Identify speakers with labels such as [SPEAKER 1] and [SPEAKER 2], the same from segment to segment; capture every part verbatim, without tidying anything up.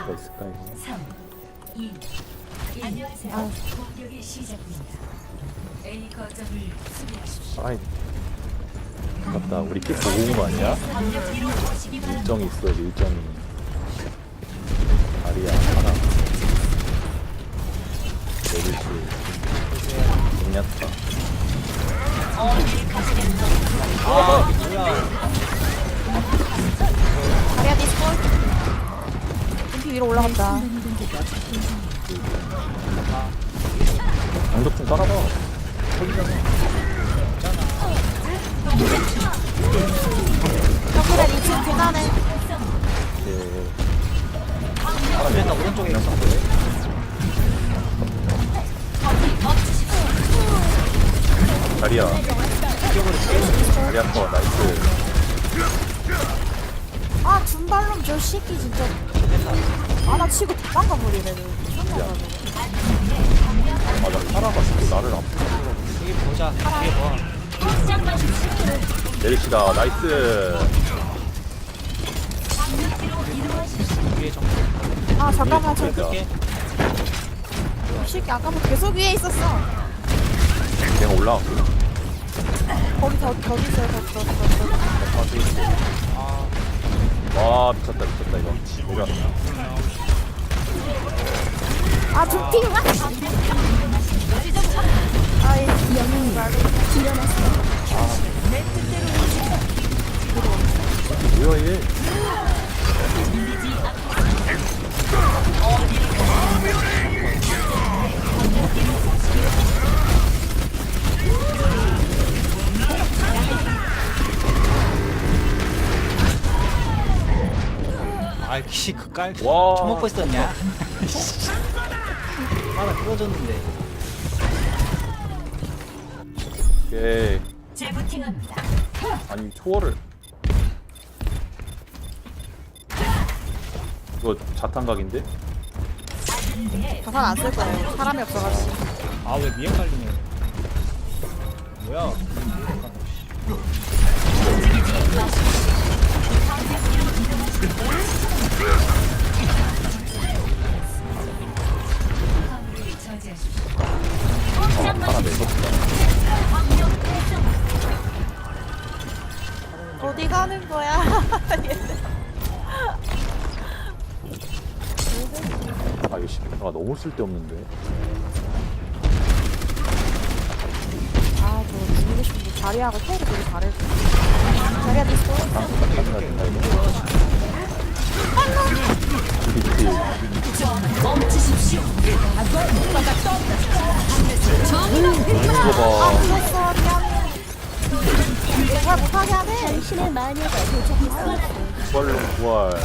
[SPEAKER 1] 수가 있을까 이거?
[SPEAKER 2] 삼, 이, 안녕하세요.
[SPEAKER 3] 아.
[SPEAKER 2] 공격이 시작됩니다. A 거점을 수비하십시오.
[SPEAKER 1] 아이 맞다 우리 픽 보고 온 거 아니야? 일정이 있어 일정이 다리야 하나 내리시 공략타
[SPEAKER 4] 아 뭐야.
[SPEAKER 3] 다리야 디스콜. 둠피 위로 올라간다.
[SPEAKER 1] 방독 좀 깔아봐
[SPEAKER 3] 정글에 이 층 계단에.
[SPEAKER 1] 이렇게
[SPEAKER 4] 그랬나 오른쪽에 있었는데.
[SPEAKER 1] 다리야 다리야 터 나이스
[SPEAKER 3] 아 줌발롬 저 새끼 진짜. 아나 치고 도망가 버리네.
[SPEAKER 1] 야. 맞아 파라가 자꾸 나를 아프게
[SPEAKER 4] 여기 보자. 이게 뭐?
[SPEAKER 1] 내리시다 나이스
[SPEAKER 4] 위에 정글.
[SPEAKER 3] 아 잠깐만 저
[SPEAKER 1] 그러니까.
[SPEAKER 4] 끌게.
[SPEAKER 3] 이 새끼 아까부터 계속 위에 있었어.
[SPEAKER 1] 내가 올라왔고
[SPEAKER 3] 거기 더 더 있어요 더더더 더.
[SPEAKER 1] 아 저기 있어
[SPEAKER 4] 아
[SPEAKER 1] 와 미쳤다 미쳤다 이거 내려왔다
[SPEAKER 3] 아 둠피 와. 아이 영웅이 말로 일어났어.
[SPEAKER 1] 뭐야 얘
[SPEAKER 4] 아이 씨 그깔
[SPEAKER 1] 와.
[SPEAKER 4] 처먹고 있었냐? 하나 끌어줬는데.
[SPEAKER 1] 오케이
[SPEAKER 2] 재부팅합니다.
[SPEAKER 1] 아니 초월을 이거 자탄각인데?
[SPEAKER 3] 자산 안 쓸 거예요. 사람이 없어가지고.
[SPEAKER 4] 아 왜 미에 깔리냐? 뭐야?
[SPEAKER 1] 아 하나 내줬다
[SPEAKER 3] 어디 가는 거야?
[SPEAKER 1] 아 이거 시프트가 너무 쓸데없는데
[SPEAKER 3] 아, 저 죽이고 싶은데 자리하고 테이를 되게 잘해줘. 자리야 디스코.
[SPEAKER 1] 카메라 된다 이거 그치
[SPEAKER 2] 멈추십시오.
[SPEAKER 1] 이거 봐
[SPEAKER 3] 아, 죽었어. 미안해. 잘 못하게 하네. 당신의 마녀가 도착했어.
[SPEAKER 1] 부활로 부활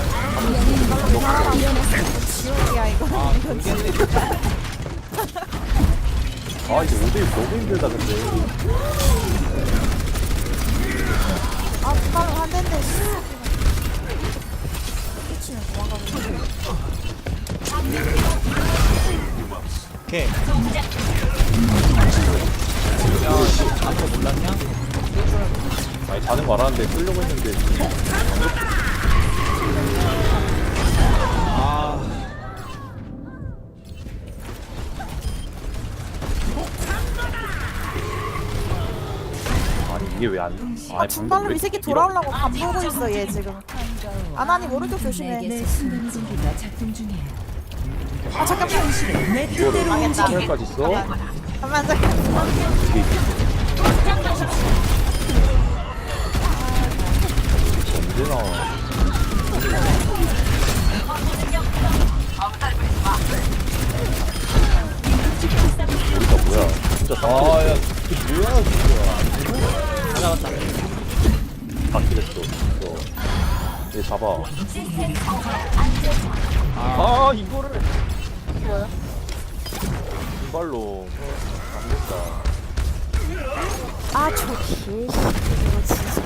[SPEAKER 3] 지옥이야, 이거.
[SPEAKER 4] 아 돌겠네.
[SPEAKER 1] 아 이제 오 대일 너무 힘들다 근데
[SPEAKER 3] 아, 부담을 한 대인데. 미치면 도망가고 있네.
[SPEAKER 4] 오케이. 야, 아까 몰랐냐?
[SPEAKER 1] 아니 자는 거 알았는데 끌려고 했는데
[SPEAKER 4] 아,
[SPEAKER 1] 아니 이게 왜안
[SPEAKER 3] 아, 중발로 이 새끼 돌아오려고 밥 보고 있어, 얘 지금. 아나님 오른쪽 조심해.
[SPEAKER 2] 내게 순간 준비가 작동 중이에요.
[SPEAKER 3] 아, 잠깐만.
[SPEAKER 1] 이거를
[SPEAKER 3] 망했다.
[SPEAKER 1] 화면까지 써?
[SPEAKER 3] 잠깐만, 잠깐만.
[SPEAKER 1] 이게 언제 나와 우리가 뭐야 진짜 아야 이게 뭐야 진짜
[SPEAKER 4] 다 잡았다.
[SPEAKER 1] 다 그랬어 이거 얘 잡아
[SPEAKER 4] 아,
[SPEAKER 1] 아 이거를
[SPEAKER 3] 뭐야?
[SPEAKER 1] 이발로 안 됐다
[SPEAKER 3] 아, 저 개새끼. 이거 진짜.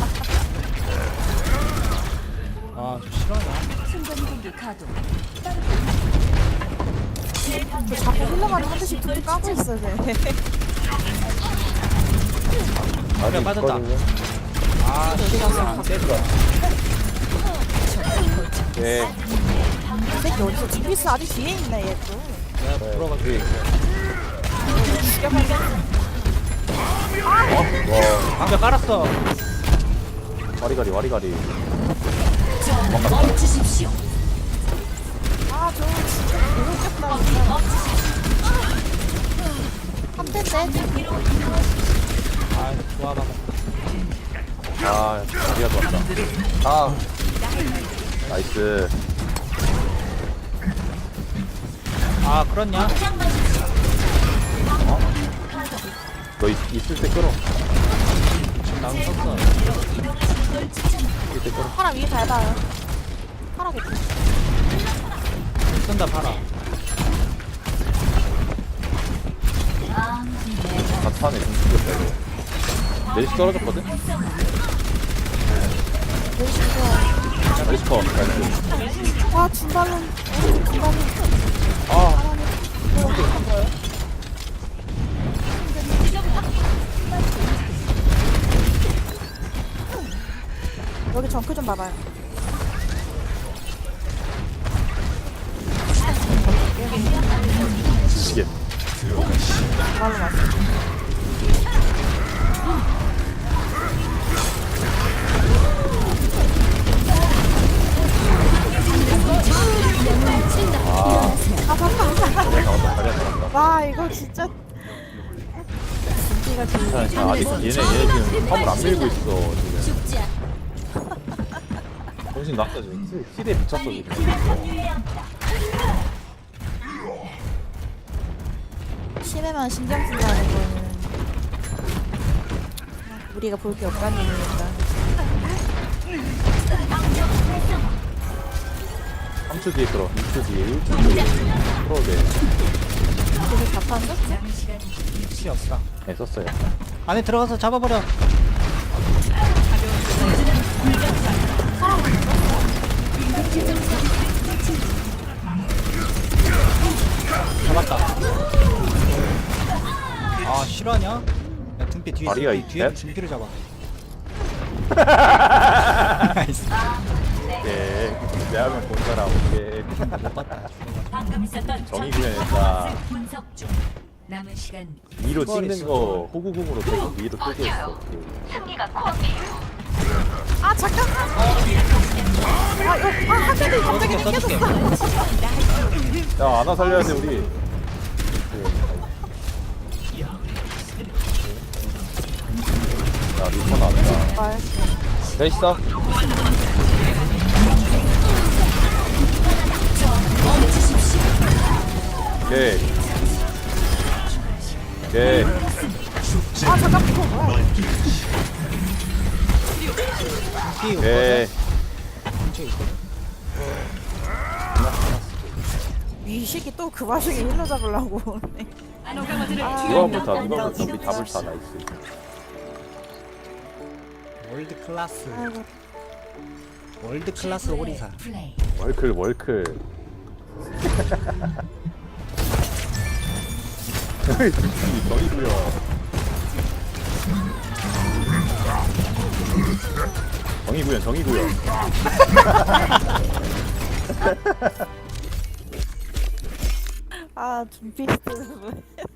[SPEAKER 4] 아, 저 싫어하냐?
[SPEAKER 2] 순간공기 가동.
[SPEAKER 3] 저 자꾸 흘러가는 한 대씩 툭툭 까고 있어, 쟤.
[SPEAKER 1] 아니
[SPEAKER 4] 빠졌다.
[SPEAKER 1] 있거든요.
[SPEAKER 4] 아,
[SPEAKER 3] 어디 가서
[SPEAKER 4] 안 됐어.
[SPEAKER 1] 네
[SPEAKER 3] 이 새끼 어디서 지피스 아직 뒤에 있네 얘 또.
[SPEAKER 4] 내가
[SPEAKER 1] 네,
[SPEAKER 4] 들어가지고
[SPEAKER 1] 뒤에 있어.
[SPEAKER 3] 죽여버리겠네.
[SPEAKER 1] 와,
[SPEAKER 4] 방벽 깔았어.
[SPEAKER 1] 와리가리, 와리가리.
[SPEAKER 2] 멈추십시오.
[SPEAKER 3] 아 저거 진짜 개웃겼다 진짜. 한 대인데?
[SPEAKER 4] 아 좋아 봐.
[SPEAKER 1] 아, 자리가 좋았다. 아, 나이스.
[SPEAKER 4] 아 그렇냐?
[SPEAKER 1] 너 있, 있을 때 끌어.
[SPEAKER 4] 지금 나무 썼어.
[SPEAKER 1] 있을 때 끌어.
[SPEAKER 3] 파라 위에 밟아요. 파라겠지.
[SPEAKER 4] 쓴다 팔아.
[SPEAKER 1] 다 타네, 좀 죽였다, 이거. 멜시 떨어졌거든?
[SPEAKER 3] 멜시 좋아.
[SPEAKER 1] 멜시 커, 나이스.
[SPEAKER 3] 아 중발론. 어, 중발론.
[SPEAKER 1] 아,
[SPEAKER 3] 여기 정크 좀 봐봐요.
[SPEAKER 1] 지치겠.
[SPEAKER 3] 말로 왔어.
[SPEAKER 1] 아,
[SPEAKER 3] 아 잠깐만.
[SPEAKER 1] 자리야 나왔다, 자리야 나왔다.
[SPEAKER 3] 와 이거 진짜. 진기가 지금.
[SPEAKER 1] 자, 자, 아직 얘네, 얘네 지금 화물 안 밀고 있어, 지금.
[SPEAKER 2] 죽지 않.
[SPEAKER 1] 정신 났어, 지금. 힐에 미쳤어, 지금.
[SPEAKER 3] 심해만 신경 쓴다는 거는 우리가 볼 게 없다는 얘기니까.
[SPEAKER 1] 삼 초 뒤에 끌어, 이 초 뒤에, 일 초 뒤에. 끌어도 돼.
[SPEAKER 3] 되게 답한데?
[SPEAKER 4] 피 없어.
[SPEAKER 1] 네, 썼어요.
[SPEAKER 4] 안에 들어가서 잡아버려. 잡았다. 아 실화냐? 야 등피 뒤에
[SPEAKER 1] 다리가
[SPEAKER 4] 등피 뒤에
[SPEAKER 1] 있대?
[SPEAKER 4] 등피를 잡아.
[SPEAKER 1] 오케이. 내 하면 본 사람, 오케이.
[SPEAKER 4] 못 봤다.
[SPEAKER 2] 방금 있었던
[SPEAKER 1] 정의 구현했다.
[SPEAKER 2] 분석 중. 남은 시간
[SPEAKER 1] 위로 찍는 거 호구궁으로 계속 위로 뜨게 했어.
[SPEAKER 3] 아 잠깐만. 아 이거 아한 대도 갑자기
[SPEAKER 4] 써줄게,
[SPEAKER 3] 느껴졌어.
[SPEAKER 1] 야, 아나 살려야 돼, 우리. 야, 리퍼 나왔다.
[SPEAKER 3] 말.
[SPEAKER 1] 됐어. 오케이. 오케이.
[SPEAKER 3] 아 잠깐 이거 뭐야?
[SPEAKER 4] 등피
[SPEAKER 1] 오케이.
[SPEAKER 4] 근처에 있거든.
[SPEAKER 3] 이 새끼 또 그 와중에 힐러 잡으려고 오네.
[SPEAKER 1] 누가 불타, 누가 불타, 우리 다 불타, 나이스.
[SPEAKER 4] 월드 클래스.
[SPEAKER 3] 아이고
[SPEAKER 4] 월드 클래스 오리사.
[SPEAKER 2] 플레이.
[SPEAKER 1] 월클, 월클. 정이구요. 정이구요, 정이구요.
[SPEAKER 3] 아 준비했어.